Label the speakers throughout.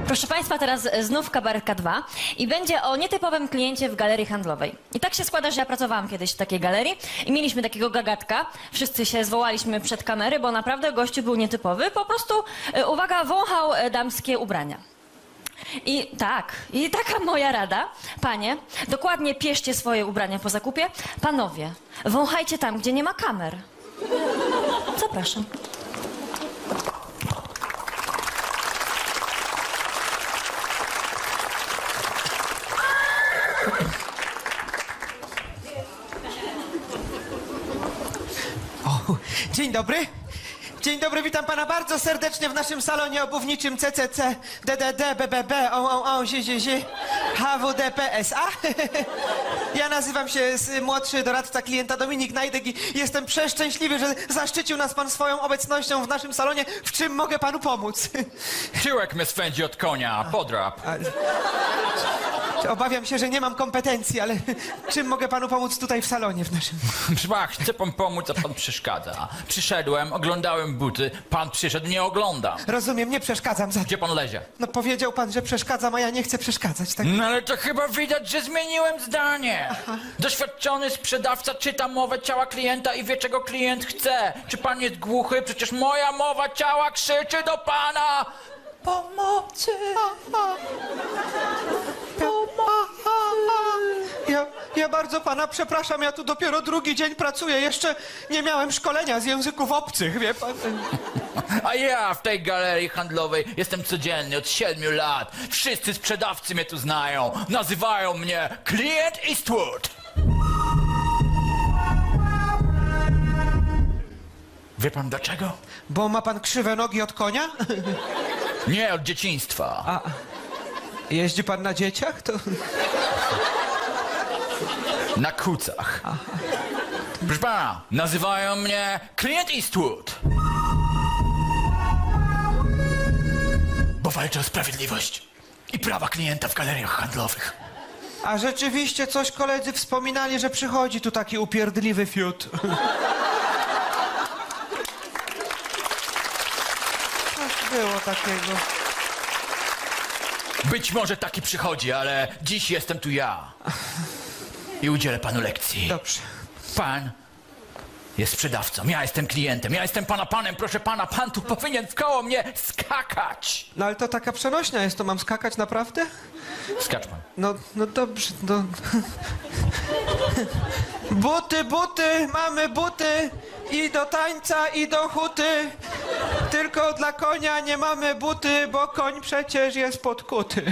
Speaker 1: Proszę Państwa, teraz znów Kabaretka 2 i będzie o nietypowym kliencie w galerii handlowej. I tak się składa, że ja pracowałam kiedyś w takiej galerii i mieliśmy takiego gagatka. Wszyscy się zwołaliśmy przed kamery, bo naprawdę gościu był nietypowy. Po prostu, uwaga, wąchał damskie ubrania. I tak, i taka moja rada, panie, dokładnie pieszcie swoje ubrania po zakupie. Panowie, wąchajcie tam, gdzie nie ma kamer. Zapraszam.
Speaker 2: O, dzień dobry. Dzień dobry, witam pana bardzo serdecznie w naszym salonie obuwniczym CCC, DDD, BBB, ZZZ, HWDPSA. Ja nazywam się młodszy doradca klienta Dominik Najdek i jestem przeszczęśliwy, że zaszczycił nas pan swoją obecnością w naszym salonie. W czym mogę panu pomóc?
Speaker 3: Tyłek mnie swędzi od konia, podrap.
Speaker 2: Obawiam się, że nie mam kompetencji, ale czym mogę panu pomóc tutaj w salonie w naszym...
Speaker 3: Chcę pan pomóc, a pan przeszkadza. Przyszedłem, oglądałem buty, pan przyszedł, nie oglądam.
Speaker 2: Rozumiem, nie przeszkadzam za...
Speaker 3: Gdzie pan lezie?
Speaker 2: No powiedział pan, że przeszkadzam, a ja nie chcę przeszkadzać, tak?
Speaker 3: No ale to chyba widać, że zmieniłem zdanie. Doświadczony sprzedawca czyta mowę ciała klienta i wie, czego klient chce. Czy pan jest głuchy? Przecież moja mowa ciała krzyczy do pana! Pomocy!
Speaker 2: Ja bardzo pana przepraszam, ja tu dopiero drugi dzień pracuję, jeszcze nie miałem szkolenia z języków obcych, wie pan?
Speaker 3: A ja w tej galerii handlowej jestem codziennie od 7 lat. Wszyscy sprzedawcy mnie tu znają. Nazywają mnie Clint Eastwood. Wie pan dlaczego?
Speaker 2: Bo ma pan krzywe nogi od konia?
Speaker 3: Nie, od dzieciństwa.
Speaker 2: A jeździ pan na dzieciach? To...
Speaker 3: Na kucach. Proszę pana, nazywają mnie Clint Eastwood. Bo walczę o sprawiedliwość i prawa klienta w galeriach handlowych.
Speaker 2: A rzeczywiście coś koledzy wspominali, że przychodzi tu taki upierdliwy fiut. Coś było takiego.
Speaker 3: Być może taki przychodzi, ale dziś jestem tu ja. I udzielę panu lekcji.
Speaker 2: Dobrze.
Speaker 3: Pan jest sprzedawcą, ja jestem klientem, ja jestem pana panem, proszę pana, pan tu powinien w koło mnie skakać.
Speaker 2: No ale to taka przenośnia jest, to mam skakać naprawdę?
Speaker 3: Skacz pan.
Speaker 2: No dobrze, no... Buty, mamy buty i do tańca, i do huty. Tylko dla konia nie mamy buty, bo koń przecież jest podkuty.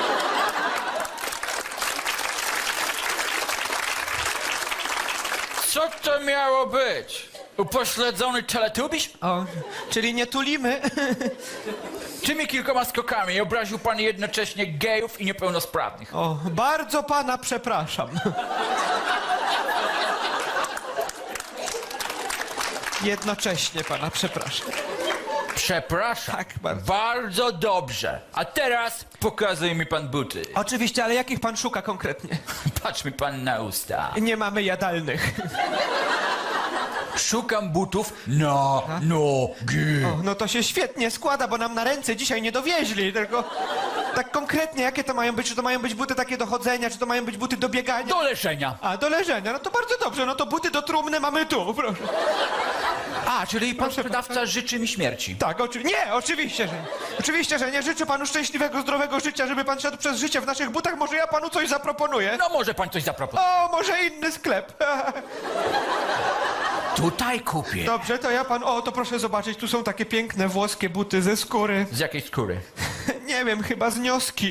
Speaker 3: Co to miało być? Upośledzony teletubiś?
Speaker 2: O, czyli nie tulimy.
Speaker 3: Tymi kilkoma skokami obraził pan jednocześnie gejów i niepełnosprawnych.
Speaker 2: O, bardzo pana przepraszam. Jednocześnie pana przepraszam.
Speaker 3: Przepraszam.
Speaker 2: Tak, bardzo.
Speaker 3: Bardzo dobrze. A teraz pokazuje mi pan buty.
Speaker 2: Oczywiście, ale jakich pan szuka konkretnie?
Speaker 3: Patrz mi pan na usta.
Speaker 2: Nie mamy jadalnych.
Speaker 3: Szukam butów na nogi.
Speaker 2: O, no to się świetnie składa, bo nam na ręce dzisiaj nie dowieźli, tylko tak konkretnie, jakie to mają być? Czy to mają być buty takie do chodzenia, czy to mają być buty do biegania?
Speaker 3: Do leżenia.
Speaker 2: A, do leżenia, no to bardzo dobrze, no to buty do trumny mamy tu, proszę.
Speaker 3: A, czyli pan
Speaker 2: Proszę
Speaker 3: sprzedawca życzy mi śmierci.
Speaker 2: Tak, nie, oczywiście, że nie. Oczywiście, że nie. Życzę panu szczęśliwego, zdrowego życia, żeby pan szedł przez życie w naszych butach. Może ja panu coś zaproponuję?
Speaker 3: No może pan coś zaproponować.
Speaker 2: O, może inny sklep.
Speaker 3: Tutaj kupię.
Speaker 2: Dobrze, to ja pan... O, to proszę zobaczyć, tu są takie piękne włoskie buty ze skóry.
Speaker 3: Z jakiej skóry?
Speaker 2: Nie wiem, chyba z nioski.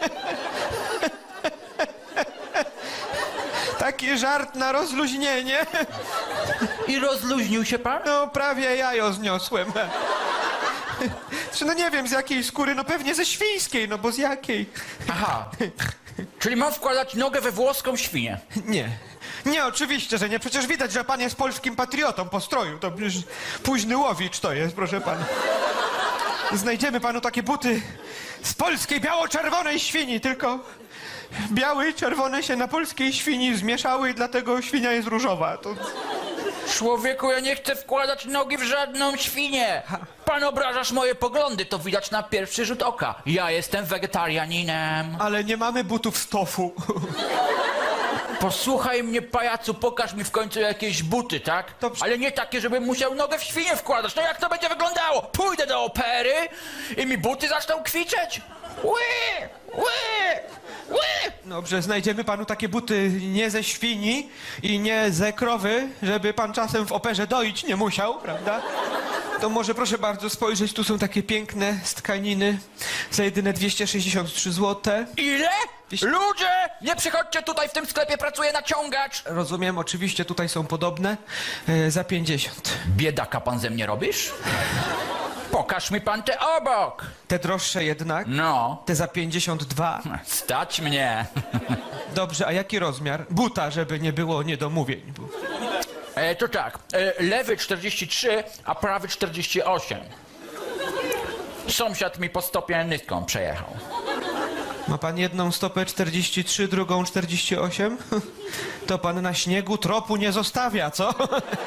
Speaker 2: Taki żart na rozluźnienie.
Speaker 3: I rozluźnił się pan?
Speaker 2: No, prawie jajo zniosłem. No nie wiem, z jakiej skóry, no pewnie ze świńskiej, no bo z jakiej?
Speaker 3: Aha. Czyli mam wkładać nogę we włoską świnię.
Speaker 2: Nie. Nie, oczywiście, że nie. Przecież widać, że pan jest polskim patriotą po stroju. To przecież późny łowicz to jest, proszę pana. Znajdziemy panu takie buty z polskiej biało-czerwonej świni, tylko białe i czerwone się na polskiej świni zmieszały i dlatego świnia jest różowa. To...
Speaker 3: Człowieku, ja nie chcę wkładać nogi w żadną świnię. Pan obrażasz moje poglądy, to widać na pierwszy rzut oka. Ja jestem wegetarianinem.
Speaker 2: Ale nie mamy butów z tofu.
Speaker 3: Posłuchaj mnie, pajacu, pokaż mi w końcu jakieś buty, tak?
Speaker 2: Dobrze.
Speaker 3: Ale nie takie, żebym musiał nogę w świnię wkładać. No jak to będzie wyglądało? Pójdę do opery i mi buty zaczną kwiczeć? Ły! Ły! Ły!
Speaker 2: Dobrze, znajdziemy panu takie buty nie ze świni i nie ze krowy, żeby pan czasem w operze doić nie musiał, prawda? To może proszę bardzo spojrzeć, tu są takie piękne z tkaniny za jedyne 263 zł.
Speaker 3: Ile? Ludzie! Nie przychodźcie tutaj, w tym sklepie pracuje naciągacz!
Speaker 2: Rozumiem, oczywiście tutaj są podobne za 50.
Speaker 3: Biedaka pan ze mnie robisz? Pokaż mi pan te obok!
Speaker 2: Te droższe jednak,
Speaker 3: No,
Speaker 2: te za 52.
Speaker 3: stać mnie.
Speaker 2: Dobrze, a jaki rozmiar? Buta, żeby nie było niedomówień.
Speaker 3: To tak, lewy 43, a prawy 48. Sąsiad mi po stopie nyską przejechał.
Speaker 2: Ma pan jedną stopę 43, drugą 48? To pan na śniegu tropu nie zostawia, co?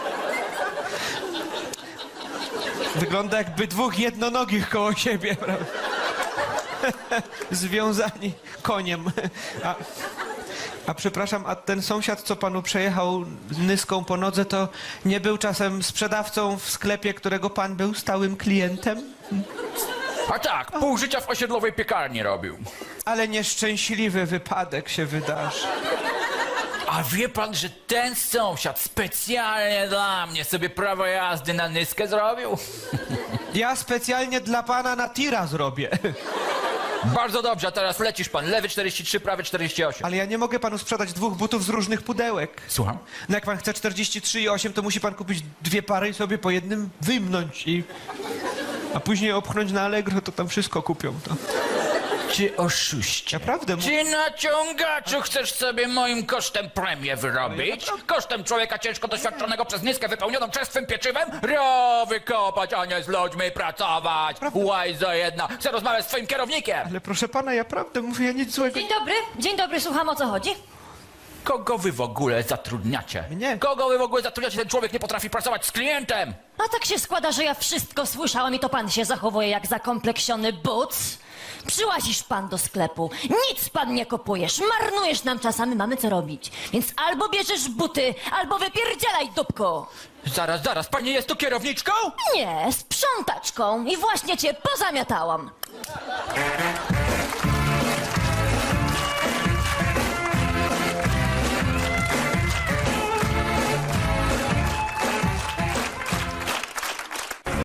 Speaker 2: Wygląda jakby dwóch jednonogich koło siebie, prawda? Związani koniem. A przepraszam, a ten sąsiad, co panu przejechał nyską po nodze, to nie był czasem sprzedawcą w sklepie, którego pan był stałym klientem?
Speaker 3: A tak, pół życia w osiedlowej piekarni robił.
Speaker 2: Ale nieszczęśliwy wypadek się wydarzy.
Speaker 3: A wie pan, że ten sąsiad specjalnie dla mnie sobie prawo jazdy na nyskę zrobił?
Speaker 2: Ja specjalnie dla pana na tira zrobię.
Speaker 3: Bardzo dobrze, a teraz lecisz pan. Lewy 43, prawy 48.
Speaker 2: Ale ja nie mogę panu sprzedać dwóch butów z różnych pudełek.
Speaker 3: Słucham?
Speaker 2: No jak pan chce 43 i 8, to musi pan kupić dwie pary i sobie po jednym wymknąć a później opchnąć na Allegro, to tam wszystko kupią. To.
Speaker 3: Ty oszuście.
Speaker 2: Naprawdę.
Speaker 3: Ty naciągaczu chcesz sobie moim kosztem premię wyrobić? Kosztem człowieka ciężko doświadczonego przez nyskę wypełnioną czerstwym pieczywem? Rowy kopać, a nie z ludźmi pracować. Łajzo jedna. Chcę rozmawiać z twoim kierownikiem.
Speaker 2: Ale proszę pana, ja prawdę mówię, ja nic złego.
Speaker 1: Dzień dobry, słucham, o co chodzi?
Speaker 3: Kogo wy w ogóle zatrudniacie?
Speaker 2: Mnie.
Speaker 3: Kogo wy w ogóle zatrudniacie? Ten człowiek nie potrafi pracować z klientem.
Speaker 1: A tak się składa, że ja wszystko słyszałam i to pan się zachowuje jak zakompleksiony buc. Przyłazisz pan do sklepu, nic pan nie kupujesz, marnujesz nam czas, a my mamy co robić. Więc albo bierzesz buty, albo wypierdzielaj dupko.
Speaker 3: Zaraz, pani jest tu kierowniczką?
Speaker 1: Nie, sprzątaczką i właśnie cię pozamiatałam.